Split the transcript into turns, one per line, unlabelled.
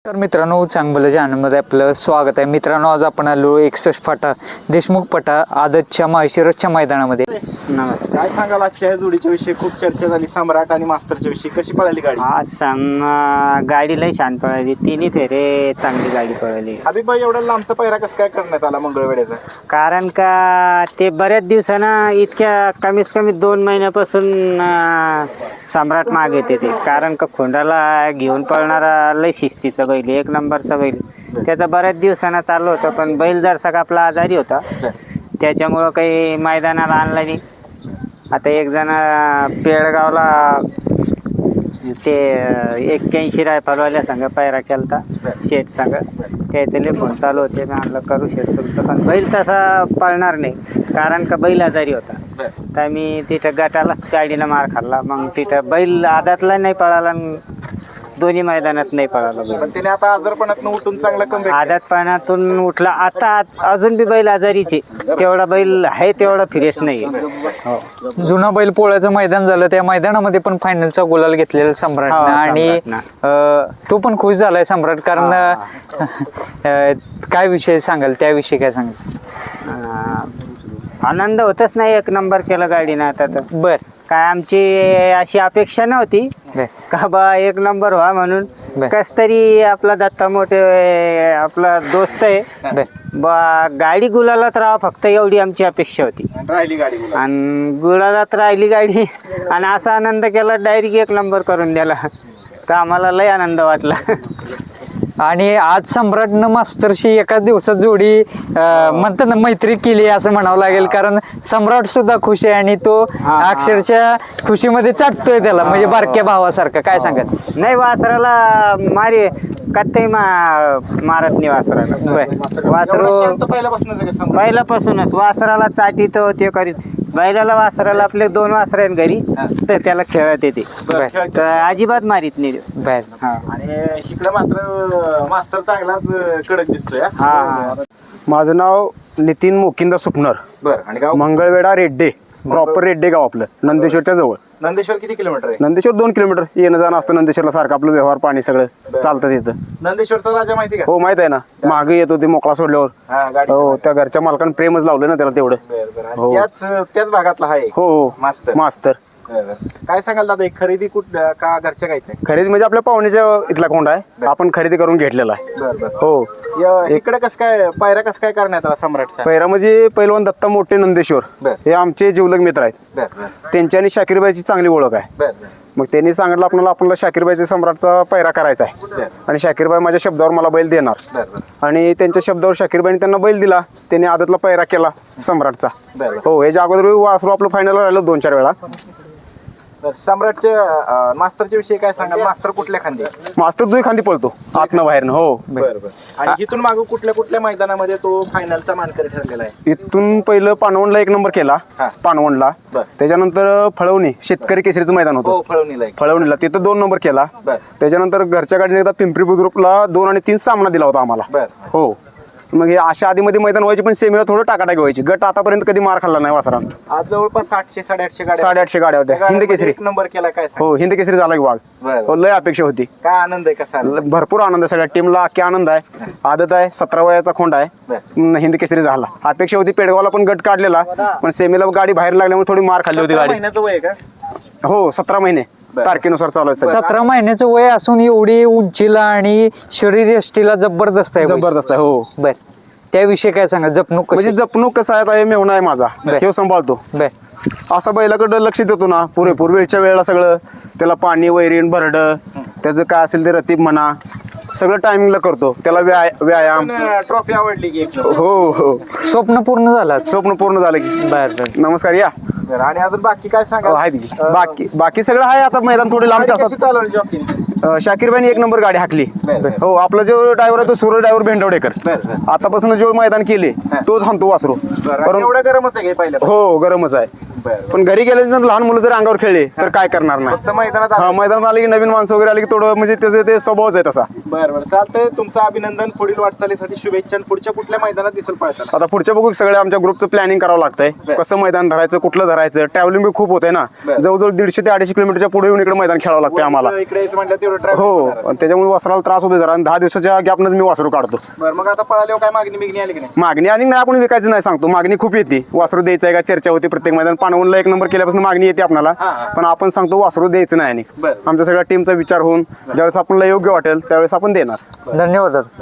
तर मित्रांनो चांगलं आनंदमध्ये आपलं स्वागत आहे. मित्रांनो आज आपण आलो 61 फाटा देशमुख पटा आदतच्या माळशिरसच्या मैदानामध्ये.
नमस्कार. काय सांगाल आजच्या या जोडीच्या विषयी? खूप चर्चा झाली सम्राट आणि मास्तरच्या विषयी. कशी पळाली गाडी?
आज गाडी लई छान पळाली, तिन्ही फेरे चांगली गाडी पळाली.
हबीबाई एवढा लांबचा पहिरा कसं काय करण्यात आला मंगळवेड्याचा?
कारण का ते बऱ्याच दिवसानं इतक्या कमीत कमी 2 महिन्यापासून सम्राट माग येते ते. कारण का खोंडाला घेऊन पळणारा लई शिस्तीचा बैल, 1 नंबरचा बैल. त्याचा बऱ्याच दिवसानं चालू होतं, पण बैल जरसा आपला आजारी होता त्याच्यामुळं काही मैदानाला आणला नाही. आता एक जण पेडगावला ते 81 रायफलवाल्या संघ पायरा केलता शेठ संघ, त्याचे फोन चालू होते का आणलं करू शेठ तुमचं, पण बैल तसा पळणार नाही कारण का बैल आजारी होता. तर मी तिथं गटालाच गाडीनं मार खाल्ला. मग तिथं बैल आदातला नाही पळाला, दोन्ही मैदानात नाही पळाला बैल.
पण त्याने आता आजारपणातून उठून चांगला कमबॅक.
आदात पाण्यातून उठला. आता अजून बी बैल आजारीचे, तेवढा बैल आहे तेवढा फिरेस नाही.
जुना बैल पोळ्याचं मैदान झालं, त्या मैदानामध्ये पण फायनलचा गुलाल घेतलेला सम्राटनं आणि तो पण खुश झालाय सम्राट. कारण काय विषय सांगाल त्याविषयी? काय सांगाल?
आनंद होतच नाही, 1 नंबर केला गाडीनं. आता तर
बर
काय आमची अशी अपेक्षा नव्हती का बा 1 नंबर व्हा म्हणून. कस तरी आपला दत्ता मोठे आपला दोस्त आहे बा, गाडी गुलालात राहा फक्त एवढी आमची अपेक्षा होती.
राहिली गाडी
आणि गुलालात राहिली गाडी आणि असा आनंद केला, डायरेक्ट 1 नंबर करून दिला. तर आम्हाला लय आनंद वाटला.
आणि आज सम्राटनं मास्तरशी एका दिवसात जोडी म्हणतात ना मैत्री केली असं म्हणावं लागेल. कारण सम्राट सुद्धा खुश आहे आणि तो अक्षरशः खुशीमध्ये चाटतोय त्याला, म्हणजे बारक्या भावासारखा. काय सांगत?
नाही वासराला मारी कत्तही मारत नाही वासराला. वासरू पहिल्यापासूनच वासराला चाटीतो ते करीत. बैलाला वासराला आपले 2 वासर आहेत घरी, तर त्याला खेळत येते, तर अजिबात मारीत नाही.
आणि इकडे मात्र मास्तर चांगलाच कडक दिसतोय.
माझं नाव नितीन मोकिंदा सुपनर.
बरं. आणि गाव
मंगळवेढा रेड्डे, प्रॉपर रेड्डे गाव आपलं, नंदेश्वरच्या जवळ.
नंदेश्वर किती किलोमीटर आहे?
नंदेश्वर 2 किलोमीटर. येणं जाणं असतं नंदेश्वरला सारखं, आपलं व्यवहार पाणी सगळं चालतं तिथं.
नंदेश्वरचा राजा माहिती का?
हो माहित आहे ना, मागे येतो ते मोकळा सोडल्यावर. हो, त्या घरच्या मालकानं प्रेमच लावलं ना त्याला तेवढं. हो.
त्याच भागातला आहे.
हो हो मास्तर.
काय सांगाल दादा, एक खरेदी का घरच्या गायचं?
खरेदी म्हणजे आपल्या पाहुण्याच्या इथला कोंडा आहे, आपण खरेदी करून घेतलेला आहे. हो.
इकडे कसं काय पायरा कसं काय करण्यात आला सम्राटचा?
पहिला म्हणजे पैलवान दत्ता मोठे नंदेश्वर हे आमचे जीवलग मित्र आहेत. त्यांची आणि शाकीरबाईची चांगली ओळख आहे. मग त्यांनी सांगितलं आपल्याला शाकीरबाईचा सम्राटचा पैरा करायचा आहे आणि शाकीरबाई माझ्या शब्दावर मला बैल देणार. आणि त्यांच्या शब्दावर शाकीरबाईने त्यांना बैल दिला. त्यांनी आदतला पैरा केला सम्राटचा. हो, याच्या अगोदर वासरू आपलं फायनल राहिलं 2-4 वेळा.
सम्राटच्या मास्तरच्या विषयी काय सांगाल? मास्तर कुठल्या खांदी?
मास्तर 2 खांदी पळतो, आतनं बाहेरनं. हो.
आणि इथून मागं कुठल्या मैदानामध्ये तो फायनलचा मानकरी ठरलेला आहे?
इथून पहिलं पानवणला 1 नंबर केला, पानवणला. त्याच्यानंतर फळवणी शेतकरी केसरीचं मैदान होतं, फळवणीला तिथं 2 नंबर केला. त्याच्यानंतर घरच्या गाडीने एकदा पिंपरी बुद्रुकला 2 आणि 3 सामना दिला होता आम्हाला. हो. मग हे अशा आधीमध्ये मैदान व्हायचे, पण सेमीला थोडं टाकाटाकी व्हायची. गट आतापर्यंत कधी मार खाल्ला नाही वासरानं.
आज जवळपास 700-800 गाड्या
850 गाड्या होत्या. हिंद केसरी
1 नंबर केला. काय
हो, हिंद केसरी झाला की वाघ. हो, लय अपेक्षा होती.
काय आनंद आहे? कसा
भरपूर आनंद आहे, सगळ्या टीमला अख्खी आनंद आहे. आदत आहे, 17 वयाचा खोंड आहे. हिंद केसरी झाला. अपेक्षा होती पेडगावला पण गट काढलेला, पण सेमीला गाडी बाहेर लागल्यामुळे थोडी मार खाल्ली होती गाडी.
महिन्याचं वय का?
हो, 17 महिने तारखेनुसार चालू आहे.
17 महिन्याचं वय असून एवढी उंचीला आणि शरीर यष्टीला जबरदस्त आहे.
जबरदस्त आहे. हो.
बर, त्याविषयी काय सांगा? जपणूक
म्हणजे जपणूक कसं आहे, मेवणा आहे माझा, हे सांभाळतो. असा बैलाकडं लक्ष देतो ना पुरेपूर, वेळच्या वेळेला सगळं त्याला पाणी, वैरीण, भरडं, त्याचं काय असेल ते रतीब म्हणा, सगळं टायमिंगला करतो. त्याला व्यायाम.
ट्रॉफी आवडली की?
हो हो,
स्वप्न पूर्ण झालं.
स्वप्न पूर्ण झालं की.
बर.
नमस्कार या.
आणि अजून बाकी काय सांगा?
बाकी सगळं आहे. आता मैदान थोडे लांबचे असतात. शाकीरबाईने 1 नंबर गाडी हाकली. हो, आपला जो ड्रायव्हर आहे तो सूर्य ड्रायव्हर भेंडवडेकर. आतापासून जो मैदान केले तोच हाणतो वासरू.
एवढं गरमच आहे?
हो, गरमच आहे.
बरं.
पण घरी गेल्यानंतर लहान मुलं जर अंगावर खेळले तर काय करणार नाही.
फक्त मैदानात
हा, मैदानात आले की नवीन माणसं वगैरे आली की थोडं म्हणजे त्याचं ते स्वभावच आहे तसा.
बरं बरं चालतंय. तुमचं अभिनंदन. पुढील वाटचालीसाठी शुभेच्छा. आणि पुढच्या कुठल्या मैदानात दिसेल पळताना?
आता पुढच्या बघू सगळे आमच्या ग्रुपचं प्लॅनिंग करावं लागतंय. कसं मैदान धरायचं, कुठलं धरायचं, ट्रॅव्हलिंग बी खूप होते ना. जवळजवळ 150 ते 250 किलोमीटरच्या पुढे येऊन इकडे मैदान खेळावं लागतं आम्हाला.
इकडे यायचं म्हटलं तेवढं ट्रॅव्हल.
हो, आणि त्याच्यामुळे वासराला त्रास होतो जरा. आणि 10 दिवसाच्या गॅपनंच मी वासरू काढतो.
बरं मग आता पळाल्यावर काय मागणी बिगणी आली की नाही?
मागणी आणि नाही आपण विकायचं नाही सांगतो. मागणी खूप येते. वासरू द्यायचं आहे का चर्चा होती प्रत्येक मैदान. पाणवूनला 1 नंबर केल्यापासून मागणी येते आपल्याला. पण आपण सांगतो वासरू द्यायचं नाही. आणि
बरं.
आमच्या सगळ्या टीमचा विचार होऊन ज्यावेळेस आपल्याला योग्य वाटेल त्यावेळेस आपण देणार.
धन्यवाद.